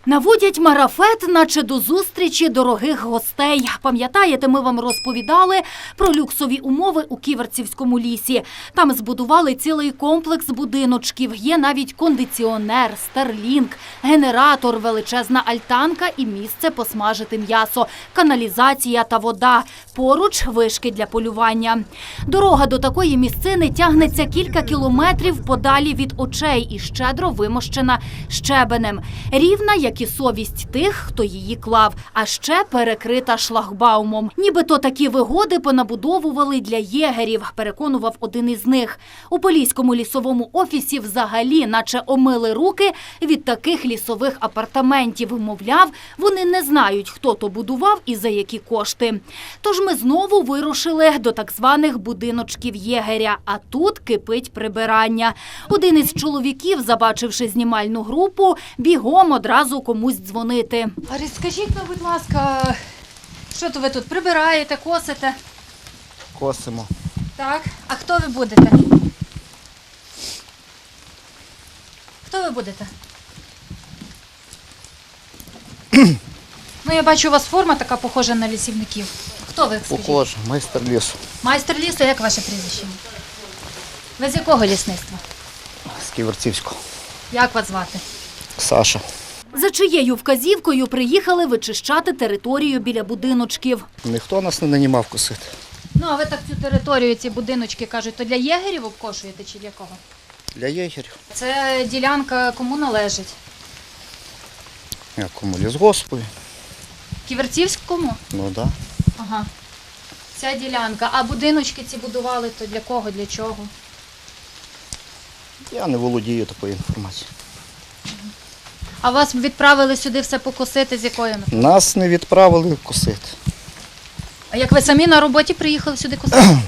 Наводять марафет, наче до зустрічі дорогих гостей. Пам'ятаєте, ми вам розповідали про люксові умови у Ківерцівському лісі. Там збудували цілий комплекс будиночків. Є навіть кондиціонер, старлінг, генератор, величезна альтанка і місце посмажити м'ясо, каналізація та вода. Поруч вишки для полювання. Дорога до такої місцини тягнеться кілька кілометрів подалі від очей і щедро вимощена щебенем. Рівна, як і совість тих, хто її клав, а ще перекрита шлагбаумом. Нібито такі вигоди понабудовували для єгерів, переконував один із них. У Поліському лісовому офісі взагалі наче омили руки від таких лісових апартаментів. Мовляв, вони не знають, хто то будував і за які кошти. Тож ми знову вирушили до так званих будиночків єгеря, а тут кипить прибирання. Один із чоловіків, забачивши знімальну групу, бігом одразу комусь дзвонити. Арі, скажіть, будь ласка, що то ви тут прибираєте, косите? Косимо. Так. А хто ви будете? Хто ви будете? Ну, я бачу, у вас форма така похожа на лісівників. Хто ви, скажіть? Похоже, майстер лісу. Майстер лісу, як ваше прізвище? Ви з якого лісництва? З Ківерцівського. Як вас звати? Саша. За чиєю вказівкою приїхали вичищати територію біля будиночків. Ніхто нас не нанімав косити. Ну, а ви так цю територію, ці будиночки, кажуть, то для єгерів обкошуєте чи для кого? Для єгерів. Це ділянка кому належить? Якому лісгоспу. Ківерцівському? Ну так. Ага. Ця ділянка. А будиночки ці будували, то для кого, для чого? Я не володію такою інформацією. А вас відправили сюди все покосити з якою метою? Нас не відправили косити. А як ви самі на роботі приїхали сюди косити?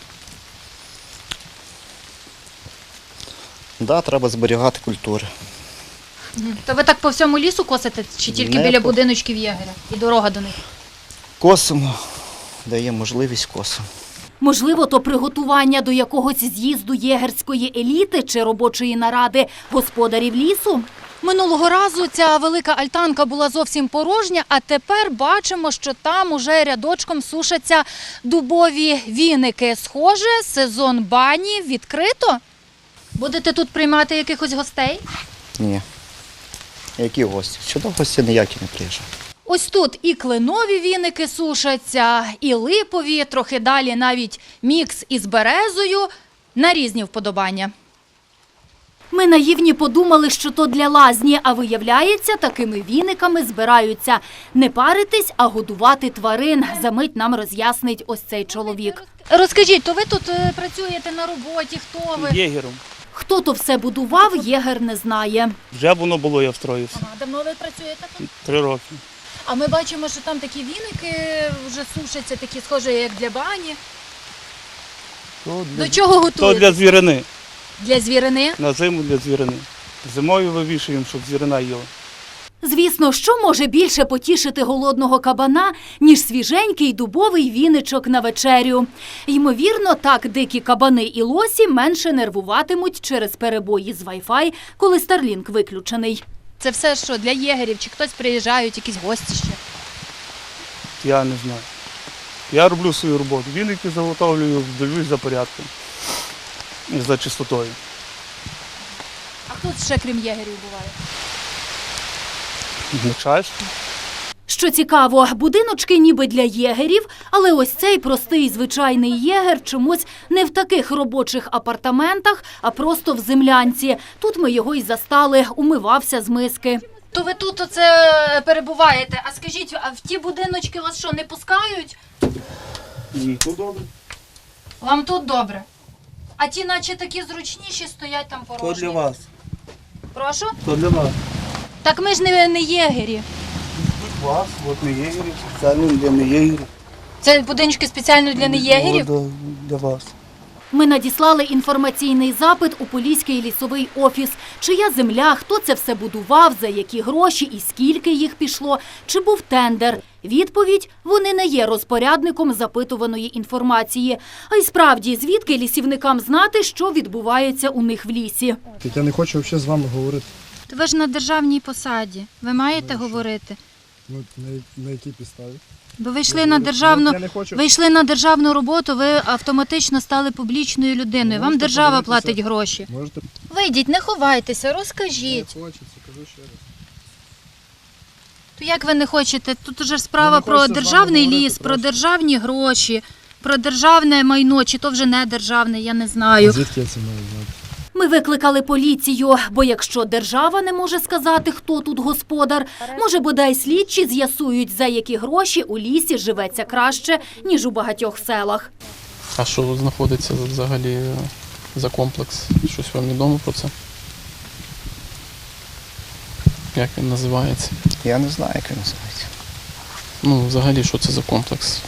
Да, треба зберігати культури. То ви так по всьому лісу косите чи тільки Не біля по- будиночків єгеря? І дорога до них? Косимо, дає можливість косимо. Можливо, то приготування до якогось з'їзду єгерської еліти чи робочої наради господарів лісу? Минулого разу ця велика альтанка була зовсім порожня, а тепер бачимо, що там уже рядочком сушаться дубові віники. Схоже, сезон бані відкрито. Будете тут приймати якихось гостей? Ні. Які гості? Сюди гості ніякі не приїжджають. Ось тут і кленові віники сушаться, і липові, трохи далі навіть мікс із березою на різні вподобання. Ми наївні подумали, що то для лазні, а виявляється, такими віниками збираються не паритись, а годувати тварин. Замить нам роз'яснить ось цей чоловік. Розкажіть, то ви тут працюєте на роботі, хто ви? Єгером. Хто то все будував, єгер не знає. Вже воно було, я встроївся. Ага, давно ви працюєте тут? 3 роки. А ми бачимо, що там такі віники вже сушаться, такі схожі, як для бані. До чого То готуєте? для звірини. Для звірини? На зиму для звірини. Зимою вивішуємо, щоб звірина їла. Звісно, що може більше потішити голодного кабана, ніж свіженький дубовий віничок на вечерю. Ймовірно, так дикі кабани і лосі менше нервуватимуть через перебої з Wi-Fi, коли Starlink виключений. Це все що, для єгерів? Чи хтось приїжджають, якісь гості ще? Я не знаю. Я роблю свою роботу. Віники заготовлюю, дивлюсь за порядком. І за чистотою. А хто ще крім єгерів буває? Начальство. Що цікаво, будиночки ніби для єгерів, але ось цей простий звичайний єгер чомусь не в таких робочих апартаментах, а просто в землянці. Тут ми його й застали, умивався з миски. То ви тут оце перебуваєте. А скажіть, а в ті будиночки вас що, не пускають? Ні, тут добре. Вам тут добре. А ті наче такі зручніші стоять там порожні. То для вас. Прошу? То для вас. Так ми ж не єгері. Тут вас, от не єгерів, спеціально для не єгерів. Це будиночки спеціально для неєгерів? От, для вас. Ми надіслали інформаційний запит у Поліський лісовий офіс. Чия земля, хто це все будував, за які гроші і скільки їх пішло, чи був тендер. Відповідь – вони не є розпорядником запитуваної інформації. А й справді, звідки лісівникам знати, що відбувається у них в лісі? Я не хочу взагалі з вами говорити. То ви ж на державній посаді. Ви маєте говорити. Ну, на якій підставі? Бо ви йшли на державну, Я не хочу. ви йшли на державну роботу, ви автоматично стали публічною людиною. Вам Можете держава подивитися. платить гроші. Можете? Вийдіть, не ховайтеся, Не розкажіть. хочеться, кажу ще раз. То як ви не хочете? Тут уже ж справа не про хочеться з вами державний говорити ліс, про просто. державні гроші, про державне майно, чи то вже не державне, я не знаю. Звідки я це маю знати? Ми викликали поліцію, бо якщо держава не може сказати, хто тут господар, може, бодай слідчі з'ясують, за які гроші у лісі живеться краще, ніж у багатьох селах. А що знаходиться взагалі за комплекс? Щось вам відомо про це? Як він називається? Я не знаю, як він називається. Ну, взагалі, що це за комплекс?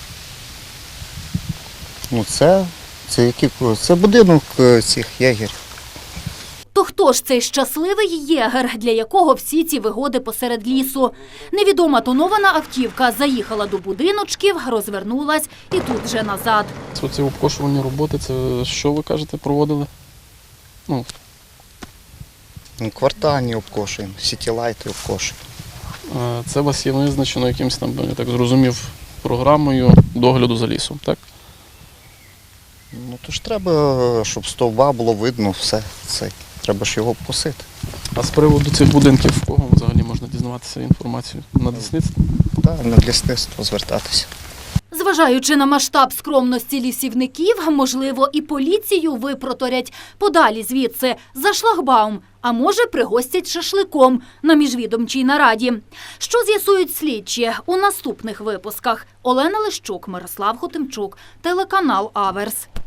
Ну це будинок цих єгерів. То хто ж цей щасливий єгер, для якого всі ці вигоди посеред лісу? Невідома тонована автівка заїхала до будиночків, розвернулась і тут же назад. Оці обкошувальні роботи, це що ви кажете, проводили? Ну, Квартальні обкошуємо, сітілайти обкошуємо. це у вас є визначено якимось там, я так зрозумів, програмою догляду за лісом, так? Ну то ж треба, щоб стовба було видно все. Треба ж його покосити. А з приводу цих будинків, в кого взагалі можна дізнаватися інформацію? На лісництві? Так, на лісництво звертатися. Зважаючи на масштаб скромності лісівників, можливо, і поліцію випроторять подалі звідси за шлагбаум, а може, пригостять шашликом на міжвідомчій нараді. Що з'ясують слідчі у наступних випусках? Олена Лищук, Мирослав Хотимчук, телеканал Аверс.